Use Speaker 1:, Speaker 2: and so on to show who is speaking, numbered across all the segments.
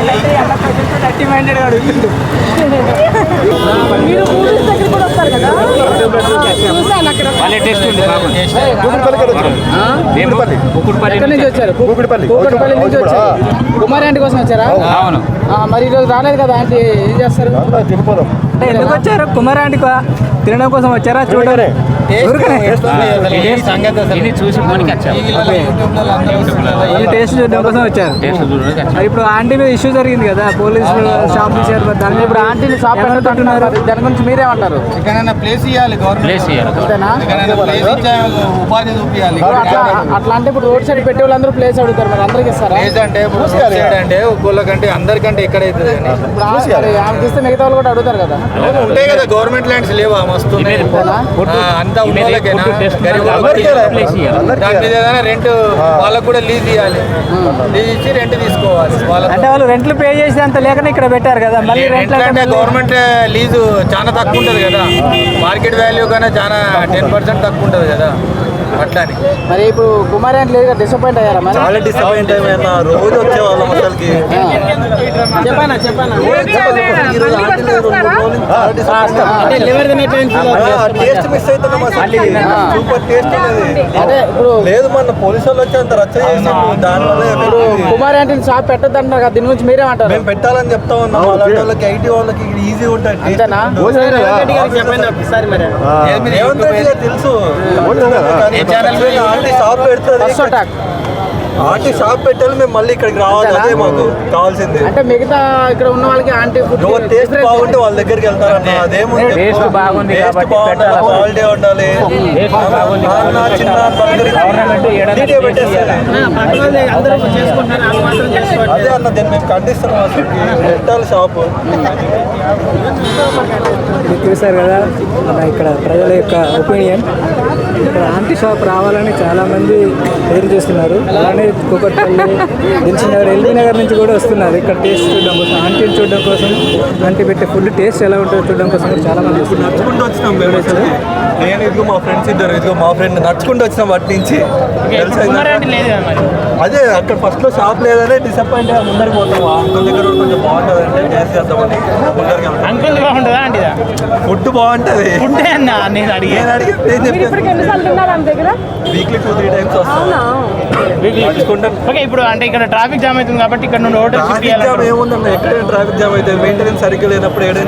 Speaker 1: మీరు మూవీస్ దగ్గర కూడా వస్తారు కదా, చూసాను అక్కడ. ఎక్కడి నుంచి వచ్చారు? కూకట్పల్లి నుంచి వచ్చారు. కుమారి ఆంటీ కోసం వచ్చారా?
Speaker 2: అవును.
Speaker 1: మరి ఈరోజు రాలేదు కదా ఆంటీ, ఏం చేస్తారు?
Speaker 3: ఎందుకు వచ్చారు? కుమారి ఆంటీ తినడం కోసం వచ్చారా? చూడరే
Speaker 2: చూసి
Speaker 3: టేస్ట్ చూడడం కోసం వచ్చారు. ఇప్పుడు ఆంటీ మీద ఇష్యూ జరిగింది కదా, పోలీసులు షాప్ తీశారు. దాని
Speaker 1: ఇప్పుడు ఆంటీని షాప్ పెట్టుకుంటున్నారు, దాని గురించి మీరేమంటారు?
Speaker 4: ప్లేస్ ఇవ్వాలి, గవర్నమెంట్ ఉపాధి చూపించాలి.
Speaker 1: అట్లా అంటే ఇప్పుడు రోడ్ సైడ్ పెట్టే వాళ్ళందరూ ప్లేస్ అడుగుతారు, మరి అందరికి ఇస్తారా?
Speaker 4: అంటే ఒక్కోళ్ళకంటే అందరికంటే ఎక్కడైతుంది
Speaker 1: ఇప్పుడు ఆమెకి ఇస్తే మిగతా వాళ్ళు కూడా అడుగుతారు కదా.
Speaker 4: ఉంటాయి కదా, గవర్నమెంట్ ల్యాండ్స్ లేవా? మస్తు అంతా ఉన్నోళ్ళకేనా? దాని మీద ఏదైనా రెంట్ వాళ్ళకు కూడా లీజ్ ఇవ్వాలి, లీజ్ ఇచ్చి రెంట్ తీసుకోవాలి.
Speaker 3: అంటే వాళ్ళు రెంట్లు పే చేసి అంత లేకనే ఇక్కడ పెట్టారు కదా. మళ్ళీ
Speaker 4: రెంట్ అంటే గవర్నమెంట్ లీజు చాలా తక్కువ ఉంటుంది కదా, మార్కెట్ వాల్యూ కన్నా చాలా 10% తక్కువ ఉంటుంది కదా, అట్లాని.
Speaker 1: మరి ఇప్పుడు కుమారి అంటే లేదు, డిసప్పాయింట్ అయ్యారా? మరి
Speaker 5: చాలా డిసప్పాయింట్ అయినా, రోజు వచ్చేవాళ్ళం అసలుకి.
Speaker 1: చెప్పానా
Speaker 5: టేస్ట్ మిస్ అవుతున్నాం అసలు, సూపర్ టేస్ట్ అనేది.
Speaker 1: అదే ఇప్పుడు
Speaker 5: లేదు, మన పోలీసు వాళ్ళు వచ్చి అంత రచ్చ చేసాము, దానివల్ల
Speaker 1: కుమారి అంటే షాప్ పెట్టద్దు అంటారు కదా, దీని గురించి మీరేమంటారు?
Speaker 5: మేము పెట్టాలని చెప్తా ఉన్నాం. అలాంటి వాళ్ళకి, ఐటీ వాళ్ళకి ఈజీ ఉంటాయి.
Speaker 1: అంతేనా?
Speaker 5: రేవంత్ రెడ్డి గారు తెలుసు, ఆంటీ షాప్ పెడుతుంది, ఆంటీ షాప్ పెట్టాలి, మేము మళ్ళీ ఇక్కడికి రావాలి, అదే మాకు కావాల్సింది.
Speaker 1: అంటే మిగతా ఇక్కడ ఉన్న వాళ్ళకి ఆంటీ ఫుడ్
Speaker 5: టేస్ట్ బాగుంటే వాళ్ళ దగ్గరికి వెళ్తారన్న, అదేముంది,
Speaker 2: టేస్ట్ బాగుంది కాబట్టి
Speaker 5: క్వాలిటీ ఉండాలి. అదే అన్న, దీన్ని మేము ఖండిస్తున్నాం, అసలు పెట్టాలి షాపు.
Speaker 3: చూసారు కదా ఇక్కడ ప్రజల యొక్క ఒపీనియన్. ఇక్కడ ఆంటీ షాప్ రావాలని చాలామంది ఎదురు చూస్తున్నారు. అలానే కూకట్పల్లి, దిల్సుఖ్నగర్, ఎల్బీ నగర్ నుంచి కూడా వస్తున్నారు ఇక్కడ టేస్ట్ చూడడం కోసం, ఆంటీని చూడడం కోసం, ఆంటీ పెట్టే ఫుడ్ టేస్ట్ ఎలా ఉంటుందో చూడడం కోసం కూడా చాలామంది వస్తున్నారు.
Speaker 5: నడుచుకుంటూ వచ్చినాం మేము అసలు. నేను ఇదిగో మా ఫ్రెండ్స్ ఇద్దరు, ఇదిగో మా ఫ్రెండ్ నడుచుకుంటూ వచ్చినాం వాటి నుంచి. అదే అక్కడ ఫస్ట్లో షాప్ లేదనే డిసప్పాయింట్ అయ్యా, ముందరికి పోతాం. అంకుల్ దగ్గర కొంచెం బాగుంటుంది అంటే టేస్ట్ చేద్దామని ముందరికి వెళ్తాం. ఫుడ్ బాగుంటుంది. వీక్లీ 2-3 టైమ్స్ వస్తాం.
Speaker 2: ఇప్పుడు అంటే ఇక్కడ ట్రాఫిక్ జామ్ అవుతుంది కాబట్టి ఇక్కడ నుండి హోటల్
Speaker 5: ఏముందన్న, ఎక్కడైనా ట్రాఫిక్ జామ్ అయితే మెయింటెనెన్స్ సరిగ్గా లేనప్పుడు ఏదైనా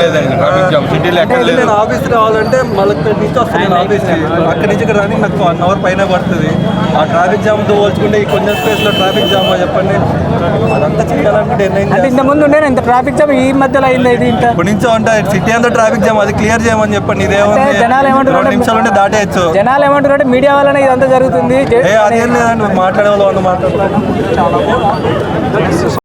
Speaker 5: నేను ఆఫీస్ రావాలంటే మళ్ళీ నుంచి వస్తాను ఆఫీస్, అక్కడి నుంచి ఇక్కడ రానికి నాకు 1 hour పైన పడుతుంది. ఆ ట్రాఫిక్ జామ్తో పోల్చుకుంటే ఈ కొంచెం స్పేస్లో ట్రాఫిక్ జామ్ చెప్పండి, అదంతా చేయాలనుకుంటే
Speaker 3: అంటే ఇంత ముందు ఉండే ఇంత ట్రాఫిక్ జామ్ ఈ మధ్యలో అయింది. ఇది
Speaker 5: ఇప్పుడు నుంచో ఉంటాయి సిటీ అంతా ట్రాఫిక్ జామ్, అది క్లియర్ చేయమని చెప్పండి. ఇదేమో
Speaker 3: జనాలు ఏమంటారు,
Speaker 5: 2 నిమిషాలు ఉంటే దాటేయచ్చు.
Speaker 3: జనాలు ఏమంటారు, మీడియా వల్లనే ఇదంతా జరుగుతుంది.
Speaker 5: అదేం లేదండి, మాట్లాడే వాళ్ళు మాట్లాడతారు.